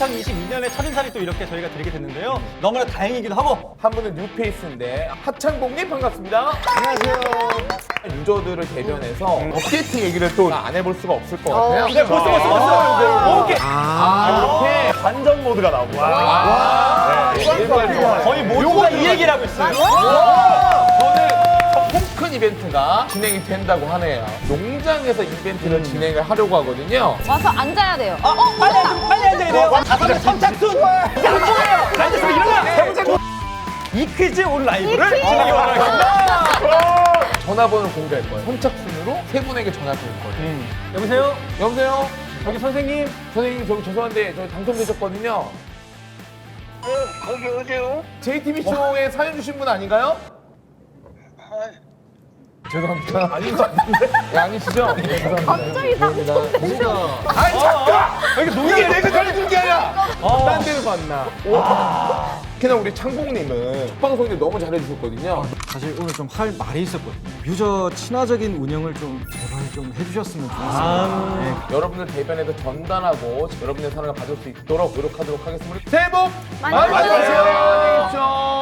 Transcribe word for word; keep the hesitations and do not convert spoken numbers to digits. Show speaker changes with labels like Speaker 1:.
Speaker 1: 이천이십이 년에 첫인사를 또 이렇게 저희가 드리게 됐는데요. 너무나 다행이기도 하고.
Speaker 2: 한 분은 뉴페이스인데 하창봉님 반갑습니다. 안녕하세요. 유저들을 대변해서 업데이트 얘기를 또 안 해볼 수가 없을 것 같아요.
Speaker 1: 네, 벌써 벌써 벌써. 오케이.
Speaker 2: 아, 이렇게
Speaker 3: 반전 모드가 나옵니다.
Speaker 2: 와. 네, 일괄 좋아요.
Speaker 1: 거의 모두가 이 얘기를 하고 있어요.
Speaker 2: 저는 통큰 이벤트가 진행이 된다고 하네요. 농장에서 이벤트를 진행을 하려고 하거든요.
Speaker 4: 와서 앉아야 돼요.
Speaker 1: 어, 빨리 앉아, 빨리 앉아야 돼요. 다섯째 선착순. 앉아서 일어나. 이 퀴즈 온 라이브를 진행해 보도록 하겠습니다.
Speaker 2: 전화번호를 공개할 거예요. 선착순으로 세 분에게 전화 드릴 거예요.
Speaker 1: 음. 여보세요?
Speaker 2: 여보세요?
Speaker 1: 저기 선생님.
Speaker 2: 선생님, 저기 죄송한데 저희 당첨되셨거든요.
Speaker 5: 네, 거기 어디요?
Speaker 2: 제이티비쇼에 사연 주신 분 아닌가요?
Speaker 5: 아,
Speaker 2: 죄송합니다. 아닌 것 같은데? 네, 아니시죠? 네, 죄송합니다.
Speaker 4: 갑자기 당첨되셔.
Speaker 2: 아니, 잠깐!
Speaker 1: 이게 농약을
Speaker 2: 내가 잘해준 게 아니라!
Speaker 1: 어.
Speaker 2: 딴 데를 봤나? 특히나 우리 창봉님은 첫 방송에 너무 잘해주셨거든요.
Speaker 6: 사실 오늘 좀 할 말이 있었거든요. 유저 친화적인 운영을 좀 제발 좀 해주셨으면 좋겠습니다. 네.
Speaker 2: 여러분들 대변에서 전달하고 여러분의 사랑을 받을 수 있도록 노력하도록 하겠습니다. 새해 복
Speaker 4: 많이
Speaker 2: 많이
Speaker 4: 받으세요.
Speaker 2: 받으세요. 안녕히 계십시오.